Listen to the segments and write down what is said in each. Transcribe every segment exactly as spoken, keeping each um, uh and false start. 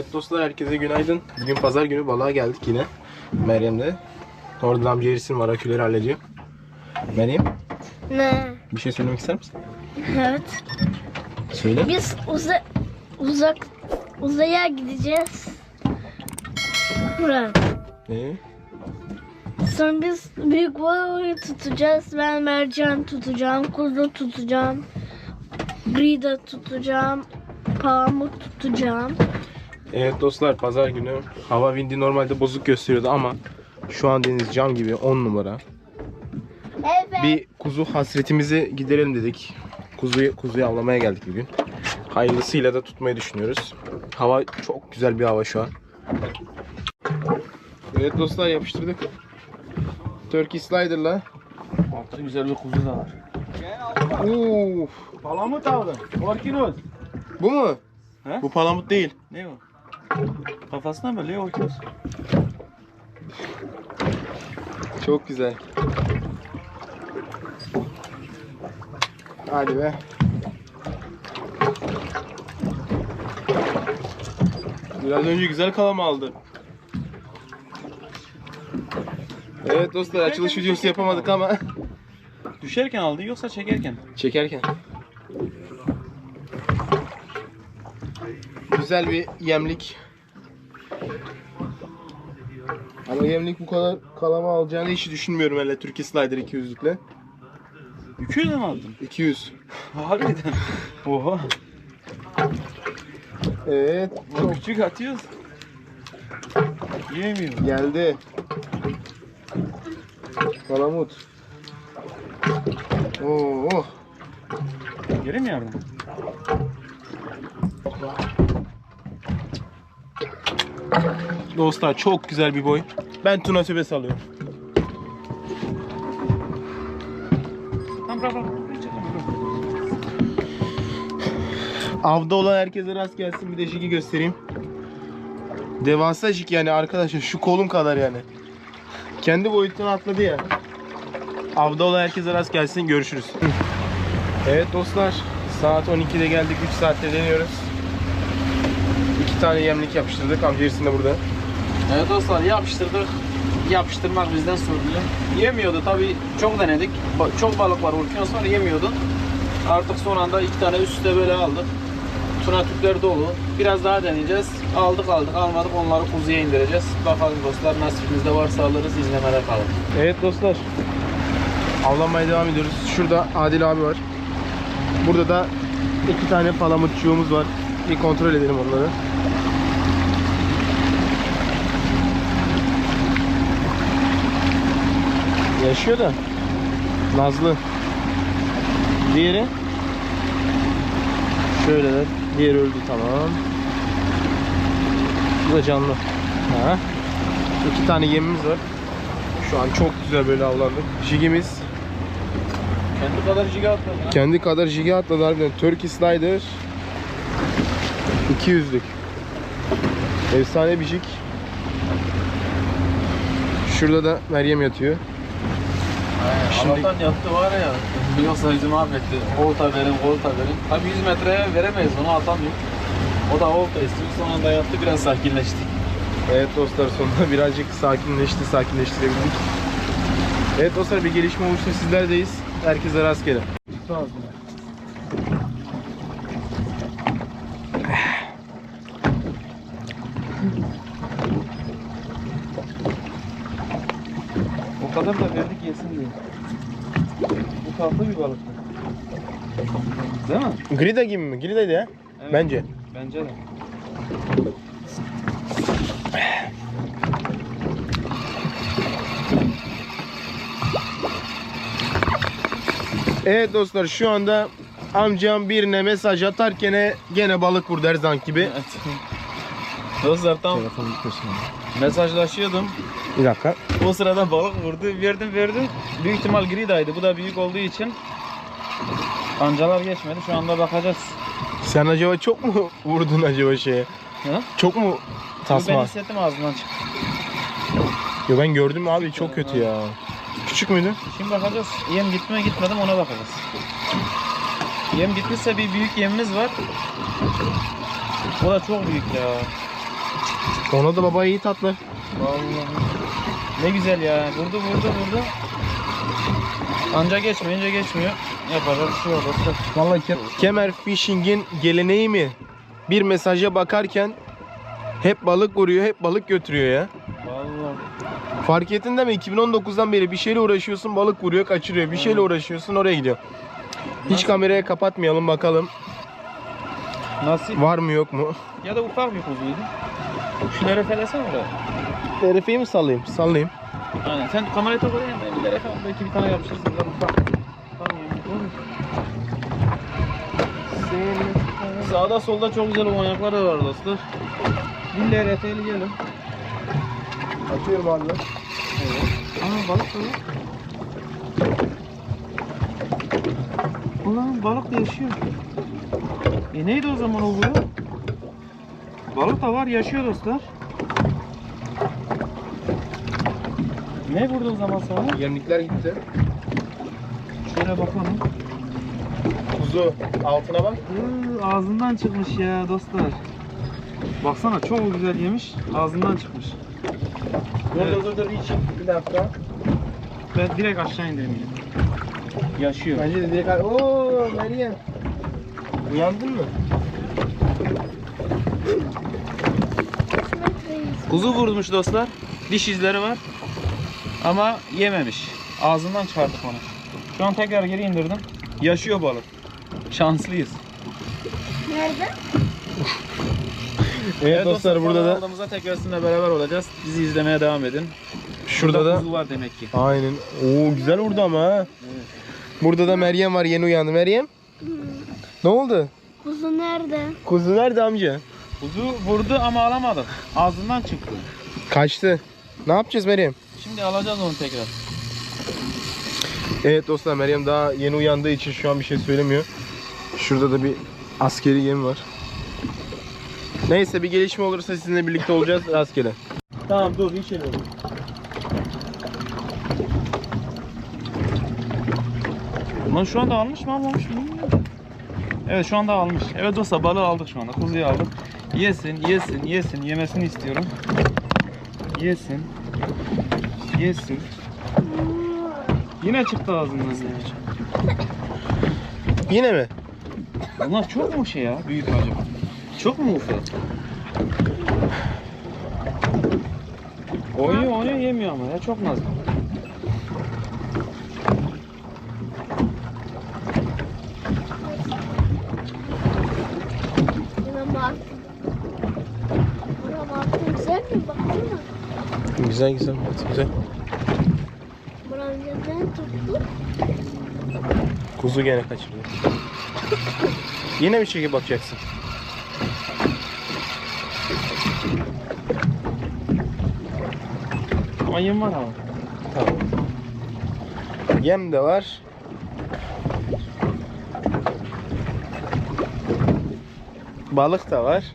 Evet dostlar, herkese günaydın. Bugün pazar günü, balığa geldik yine. Meryem'de. Orada amca Eris'in var, aküleri hallediyor. Meryem, Ne? bir şey söylemek ister misin? Evet. Söyle. Biz uza uzak uzaya gideceğiz. Murat. Ee? Sonra biz büyük balığı tutacağız. Ben mercan tutacağım, kuzu tutacağım, grida tutacağım, palamut tutacağım. Evet dostlar, pazar günü. Hava vindi normalde bozuk gösteriyordu ama şu an deniz cam gibi, on numara. Evet. Bir kuzu hasretimizi giderelim dedik. Kuzuyu, kuzuyu avlamaya geldik bugün. Hayırlısıyla da tutmayı düşünüyoruz. Hava çok güzel bir hava şu an. Evet dostlar, yapıştırdık. Turkey Slider'la. Altta güzel bir kuzu da var. Uf. Palamut aldın. Orkinos. Bu mu? He? Bu palamut değil. Ne o? Kafasına böyle orkinos. Çok güzel. Hadi be. Biraz önce güzel kalama aldı. Evet dostlar, açılış videosu yapamadık ama Düşerken aldın yoksa çekerken? çekerken. Güzel bir yemlik. Ama yemlik bu kadar kalama alacağını hiç düşünmüyorum hele Turkey Slider iki yüzlükle. iki yüz mi aldın? iki yüz. Harbiden. Oha. Evet. Çok küçük atıyoruz. Yemiyor. Geldi. Palamut. Oo. Geri mi yavrum? Dostlar, çok güzel bir boy. Ben tuna töbe salıyorum. Tamam bırak bırak. Avda olan herkese rast gelsin. Bir de jigi göstereyim. Devasa jig yani arkadaşlar, şu kolum kadar yani. Kendi boyutuna atladı ya. Avda olan herkese rast gelsin. Görüşürüz. Evet dostlar, saat on ikide geldik. üç saatte deniyoruz. iki tane yemlik yapıştırdık. Amca Ersin de burada. Evet dostlar, yapıştırdık. Yapıştırmak bizden sorumlu. Yemiyordu tabii, çok denedik. Ba- Çok balık var, orkinos var, yemiyordu. Artık son anda iki tane üst üste böyle aldık. Tuna tüpleri dolu. Biraz daha deneyeceğiz. Aldık aldık almadık, onları kuzuya indireceğiz. Bakalım dostlar, nasibimizde varsa alırız, izlemede kalın. Evet dostlar, avlanmaya devam ediyoruz. Şurada Adil abi var. Burada da iki tane palamutçuğumuz var. Bir kontrol edelim onları. Yaşıyor da nazlı. Diğeri şöyle de. Diğeri öldü, tamam. Bu da canlı. Ha. İki tane yemimiz var. Şu an çok güzel böyle avlandık. Jigimiz Kendi kadar jiga atladı. kendi kadar jigi atladı harbiden. Turkey Slider iki yüzlük. Efsane bir jig. Şurada da Meryem yatıyor. Şimdi- Allah'tan yattı var ya. Yoksa bizi mahvetti. Olta verin, olta verin. Tabii yüz metreye veremeyiz, onu atamıyor. O da olta istiyor. Son anda yattı, biraz sakinleşti. Evet dostlar, sonunda birazcık sakinleşti, sakinleştirebildik. Evet dostlar, bir gelişme olursa sizlerdeyiz. Herkese rastgele. O kadar da verdik yesin diye. Bu tatlı bir balık. Değil mi? Grida gibi mi? Grida'ydı ya. Evet. Bence. Bence de. Evet dostlar, şu anda amcam birine mesaj atarken gene balık vurdu her zaman gibi. Evet. Dostlar tam mesajlaşıyordum. Bir dakika. O sırada balık vurdu. Verdim verdim. Büyük ihtimal gridaydı. Bu da büyük olduğu için kancalar geçmedi. Şu anda bakacağız. Sen acaba çok mu vurdun acaba şeye? Ha? Çok mu Ben tasma? hissettim, ağzından çıktı. Yo, ben gördüm abi, çok kötü ya. Küçük müydü? Şimdi bakacağız. Yem gitti mi gitmedi mi ona bakacağız. Yem gitmişse bir büyük yemimiz var. O da çok büyük ya. Ona da baba iyi tatlı. Vallahi. Ne güzel ya. Vurdu vurdu vurdu. Anca geçmeyince geçmiyor. Yapacak bir şey yok dostlar. Vallahi Ke- Kemer Fishing'in geleneği mi? Bir mesaja bakarken hep balık vuruyor, hep balık götürüyor ya. Vallahi. Fark ettin değil mi? iki bin on dokuzdan beri bir şeyle uğraşıyorsun, balık vuruyor, kaçırıyor. Bir şeyle uğraşıyorsun, oraya gidiyor. Hiç Nasıl? kameraya kapatmayalım bakalım. Nasıl? Var mı yok mu? Ya da ufak bir kuzuydu. Şunları felesene oraya. Terefeyi mi sallayayım? Sallayayım. Aynen. Sen kamerayı tak oraya. Ben bir de efendim belki bir tane yapıştırırsın. Biraz ufak. Tamam. Sağda solda çok güzel oyuncaklar da var dostlar. Dille R F'li gelin. Atıyorum abi. Aa balık da var. Ulan balık da yaşıyor. E neydi o zaman o vuruyor? Balık da var, yaşıyor dostlar. Ne vurdu o zaman sana? Yemlikler gitti. Şöyle bakalım. Kuzu. Altına bak. Iıı, ağzından çıkmış ya dostlar. Baksana çok güzel yemiş. Ağzından çıkmış. Dur Evet. dur dur dur. İçin. Bir dakika. Ben direkt aşağı indireyim yine. Yaşıyor. Bence de direkt... Ooo Meryem. Uyandın mı? Kuzu vurmuş dostlar. Diş izleri var. Ama yememiş. Ağzından çıkardık onu. Şu an tekrar geri indirdim. Yaşıyor balık. Şanslıyız. Nerede? Evet, dostlar burada da Aldığımızda tekrar sizinle beraber olacağız. Bizi izlemeye devam edin. şurada da kuzu var demek ki. aynen. Oo güzel vurdu ama ha. Burada da Meryem var, yeni uyandı. Meryem? Ne oldu? Kuzu nerede? Kuzu nerede amca? Kuzu vurdu ama alamadık. Ağzından çıktı. Kaçtı. Ne yapacağız Meryem? Şimdi alacağız onu tekrar. Evet dostlar, Meryem daha yeni uyandığı için şu an bir şey söylemiyor. Şurada da bir askeri gemi var. Neyse, bir gelişme olursa sizinle birlikte olacağız rastgele. Tamam dur, hiç şey yok. Lan şu anda almış mı almamış mı bilmiyorum. Evet şu anda almış. Evet dostlar balığı aldık şu anda. Kuzuyu aldık. Yesin, yesin, yesin. Yemesini istiyorum. Yesin. Yesin. Yine çıktı ağzından. Yine mi? Bunlar çok mu şey ya? Büyük acaba? Çok mu ufak? Oynuyor oynuyor yemiyor ama ya çok nazlı. Buna baktım. Buna baktım. Güzel mi? Baksana. Güzel güzel, güzel. Buranın neden tuttu? Kuzu gene kaçırdı. Yine bir şekilde bakacaksın. Ama yem var ama. Tamam. Yem de var. Balık da var.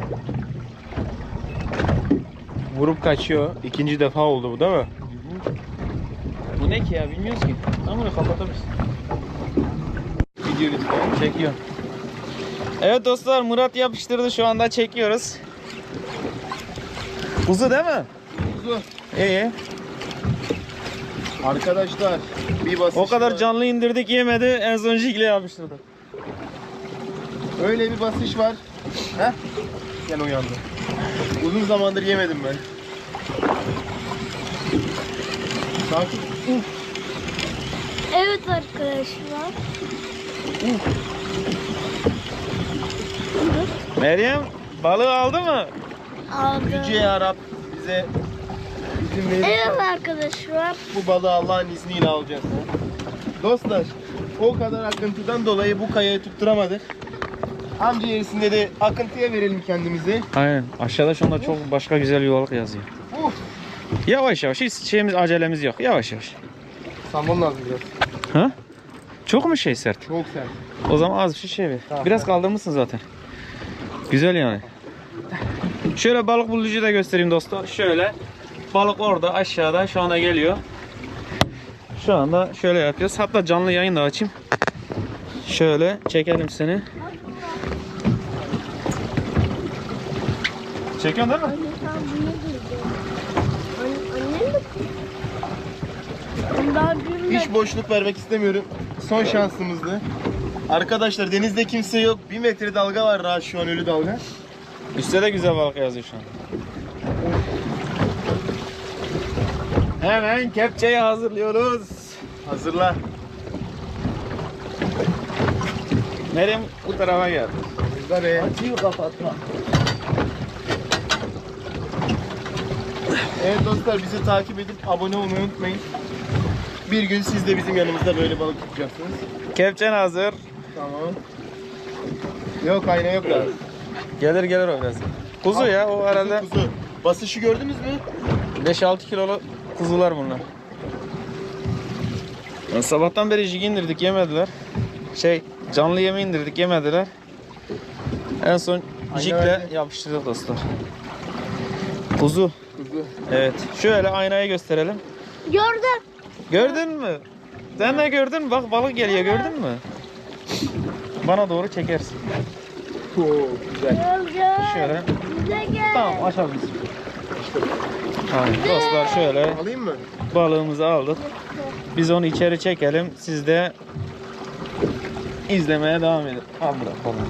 Vurup kaçıyor. İkinci defa oldu bu değil mi? Bu ne ki ya bilmiyoruz ki. Ama bunu kapatabiliriz. Video lütfen. Çekiyor. Evet dostlar Murat yapıştırdı şu anda çekiyoruz. Kuzu değil mi? Kuzu. İyi. Arkadaşlar bir basış O kadar var. canlı indirdik yemedi en son jigle yapıştırdı. Öyle bir basış var. Heh. Gene uyandı. Uzun zamandır yemedim ben. Sakin. Evet arkadaşlar. Meryem balığı aldı mı? Aldım. Yüce Yarab bize izin verirse Evet arkadaşlar. bu balığı Allah'ın izniyle alacağız. Dostlar, o kadar akıntıdan dolayı bu kayayı tutturamadık. Amca yerisinde de akıntıya verelim kendimizi. Aynen. Aşağıda şu anda çok başka güzel yuvalık yazıyor. Uf. Yavaş yavaş hiç şeyimiz acelemiz yok. Yavaş yavaş. Salmon lazım biraz. Ha? Çok mu şey sert? Çok sert. O zaman az bir şey şey ver. Tamam, Biraz tamam. kaldırmışsın zaten. Güzel yani. Şöyle balık bulucu da göstereyim dostlar. Şöyle. Balık orada aşağıda şu anda geliyor. Şu anda şöyle yapıyoruz. Hatta canlı yayın da açayım. Şöyle çekelim seni. Çekiyorsun değil mi? Sen bunu duydun. An annem de Ben daha büyümledim. Hiç boşluk vermek istemiyorum. Son şansımızdı. Arkadaşlar denizde kimse yok. Bir metre dalga var rahat şu an, ölü dalga. Üstte de güzel balık yazıyor şu an. Hemen kepçeyi hazırlıyoruz. Hazırla. Meryem bu tarafa gel. Burada be. Açıyı kapatma. Evet dostlar, bizi takip edip abone olmayı unutmayın. Bir gün siz de bizim yanımızda böyle balık tutacaksınız. Kepçen hazır. Tamam. Yok, ayna yok da. Gelir gelir o biraz. Kuzu ya o herhalde Kuzu, kuzu. Basışı gördünüz mü? beş altı kilolu kuzular bunlar. Yani sabahtan beri jig indirdik yemediler. Şey canlı yemi indirdik yemediler. En son Ayna jigle verdi. yapıştırdık dostlar. Kuzu. Kuzu. Evet. Şöyle aynayı gösterelim. Gördüm. Gördün mü? Sen de gördün mü? Bak balık geliyor, gördün mü? Bana doğru çekersin. Oo, güzel. Gördüm. Şöyle. Bize gel. Tamam, açabilirsin. Tamam, dostlar şöyle Alayım mı? balığımızı aldık. Biz onu içeri çekelim. Siz de izlemeye devam edin. Al bırak balığı.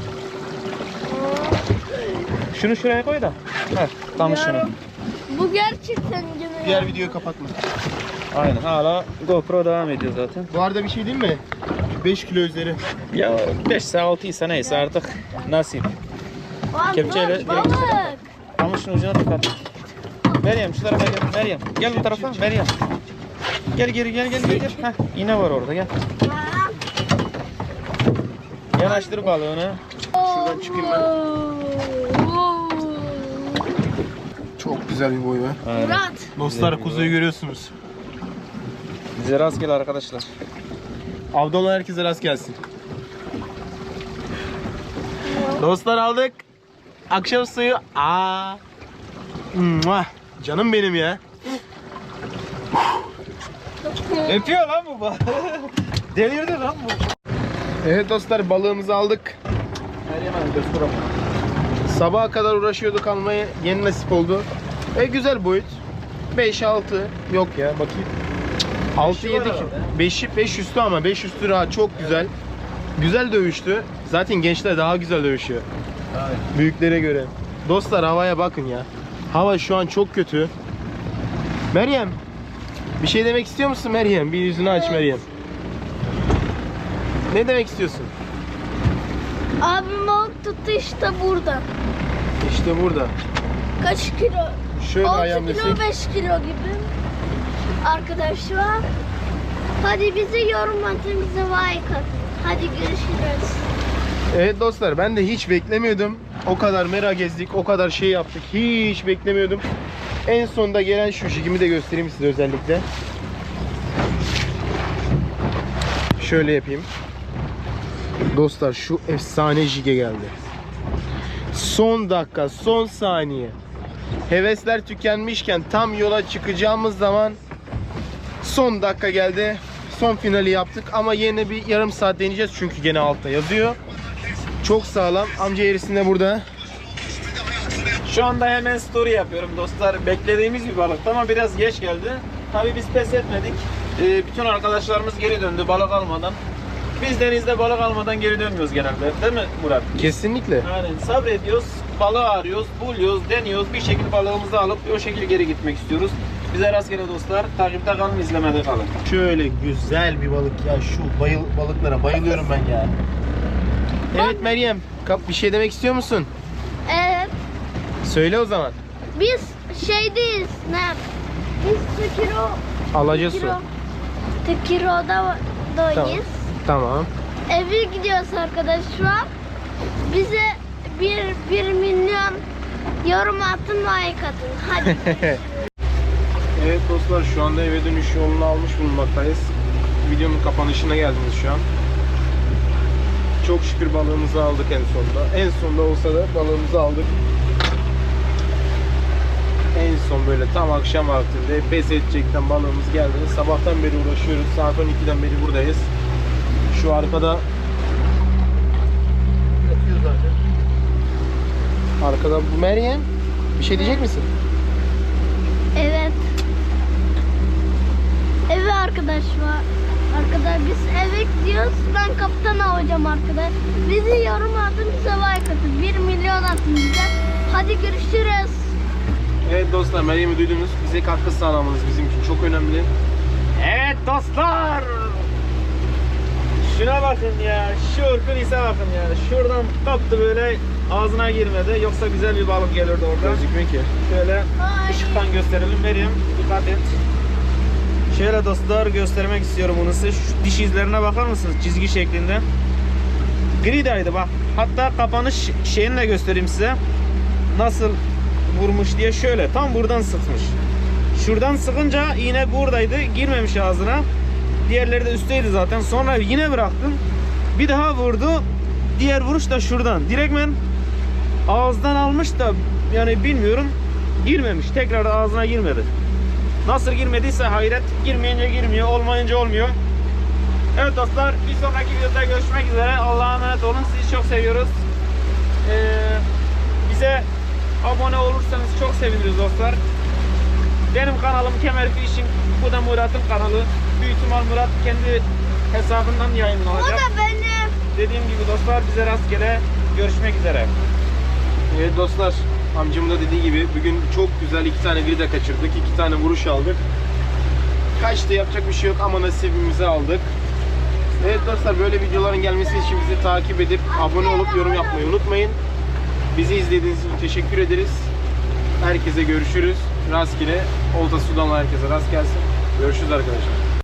Şunu şuraya koy da. Heh, tam şunu. Yarım. Bu gerçekten gibi. Diğer videoyu kapatma. Aynen, hala GoPro devam ediyor zaten. Bu arada bir şey diyeyim mi? beş kilo üzeri. Ya beş ise altı ise neyse artık nasip. Lan Kepçeyle dur, balık. Ama şunun ucuna dikkat. Meryem şu tarafa gel. Meryem gel bu tarafa. Meryem. Gel geri gel gel gel. gel. Heh, iğne var orada gel. Yanaştır balığını. Şuradan çıkayım ben. Oo. Çok güzel bir boy be. Aynen. Murat. Dostlar, kuzuyu görüyorsunuz. Bize rastgele arkadaşlar. Avda olan herkese rast gelsin. Dostlar, aldık. Akşam suyu. Aa. Mua. Canım benim ya. Öpüyor lan bu balığı. Delirdi lan bu. Evet dostlar, balığımızı aldık. Meryem Hanım göster ama. Sabaha kadar uğraşıyorduk, almaya yeni nasip oldu. E güzel boyut. beş altı yok ya, bakayım. altı Beşi var yedi. herhalde. beşi beş üstü, ama beş üstü rahat, çok güzel. Güzel dövüştü. Zaten gençler daha güzel dövüşüyor büyüklere göre. Dostlar, havaya bakın ya. Hava şu an çok kötü. Meryem, bir şey demek istiyor musun Meryem? Bir yüzünü aç Meryem. Ne demek istiyorsun? Abim balık tuttu işte burada. İşte burada. Kaç kilo? Şöyle altı ayağım kilo desek. beş kilo gibi. Arkadaşlar. Hadi bizi yorum atın, bize like atın. Hadi görüşürüz. Evet dostlar, ben de hiç beklemiyordum. O kadar merak gezdik, o kadar şey yaptık. Hiç beklemiyordum. En sonunda gelen şu jigimi de göstereyim size özellikle. Şöyle yapayım. Dostlar, şu efsane jige geldi. Son dakika, son saniye. Hevesler tükenmişken tam yola çıkacağımız zaman son dakika geldi. Son finali yaptık ama yine bir yarım saat deneyeceğiz çünkü gene altta yazıyor. Çok sağlam. Amca erisi de burada. Şu anda hemen story yapıyorum dostlar. Beklediğimiz bir balıktı ama biraz geç geldi. Tabii biz pes etmedik. Ee, bütün arkadaşlarımız geri döndü balık almadan. Biz denizde balık almadan geri dönmüyoruz genelde. Değil mi Murat? Kesinlikle. Aynen, sabrediyoruz, balığı arıyoruz, buluyoruz, deniyoruz. Bir şekilde balığımızı alıp o şekilde geri gitmek istiyoruz. Bize rastgele dostlar. Takipte kalın, izlemede kalın. Şöyle güzel bir balık ya. Şu bayıl balıklara bayılıyorum ben ya. Evet Meryem, kap bir şey demek istiyor musun? Evet. Söyle o zaman. Biz şeydeyiz. Ne? Biz Tekiro. Alaca su. Tekiro. Tekiro'da dayız. Tamam. Eve gidiyoruz arkadaşlar. Bize bir, bir milyon yorum atın, like atın. Hadi. Evet dostlar, şu anda eve dönüş yolunu almış bulunmaktayız. Videonun kapanışına geldiniz şu an. Çok şükür balığımızı aldık en sonunda. En sonunda olsa da balığımızı aldık. En son böyle tam akşam vaktinde pes edecekten balığımız geldi. Sabahtan beri uğraşıyoruz. Saat on ikiden beri buradayız. Şu arkada yatıyor zaten. Arkada bu Meryem. Bir şey diyecek misin? Evet. Eve arkadaşlar. Arkadaşlar biz eve gidiyoruz. Ben kaptan olacağım arkadaşlar. Bizi yorum atın, bize like atın. bir milyon atın bize. Hadi görüşürüz. Evet dostlar, Meryem'i duydunuz. Bize katkı sağlamanız bizim için çok önemli. Evet dostlar. Şuna bakın ya. Şu Urkunise bakın ya. Şuradan kaptı böyle, ağzına girmedi. Yoksa güzel bir balık gelirdi orada. Gözükmüyor ki. Şöyle Ay. ışıktan gösterelim. Meryem dikkat et. Şöyle dostlar göstermek istiyorum bunu size. Şu diş izlerine bakar mısınız? Çizgi şeklinde. Gridaydı bak. Hatta kapanış şeyini de göstereyim size. Nasıl vurmuş diye, şöyle tam buradan sıkmış. Şuradan sıkınca iğne buradaydı. Girmemiş ağzına. Diğerleri de üstteydi zaten. Sonra yine bıraktım. Bir daha vurdu. Diğer vuruş da şuradan. Direktmen ağızdan almış da yani bilmiyorum. Girmemiş. Tekrar ağzına girmedi. Nasıl girmediyse hayret. Girmeyince girmiyor. Olmayınca olmuyor. Evet dostlar, bir sonraki videoda görüşmek üzere. Allah'a emanet olun. Sizi çok seviyoruz. Ee, bize abone olursanız çok seviniriz dostlar. Benim kanalım Kemer Fishing. Bu da Murat'ın kanalı. Büyük ihtimal Murat kendi hesabından O yayınlanacak. da benim. Dediğim gibi dostlar, bize rastgele görüşmek üzere. Evet dostlar, amcamın da dediği gibi bugün çok güzel iki tane grida kaçırdık. iki tane vuruş aldık. Kaçtı, yapacak bir şey yok ama nasibimizi aldık. Evet dostlar, böyle videoların gelmesi için bizi takip edip abone olup yorum yapmayı unutmayın. Bizi izlediğiniz için teşekkür ederiz. Herkese görüşürüz. Rastgele olta sudan herkese rast gelsin. Görüşürüz arkadaşlar.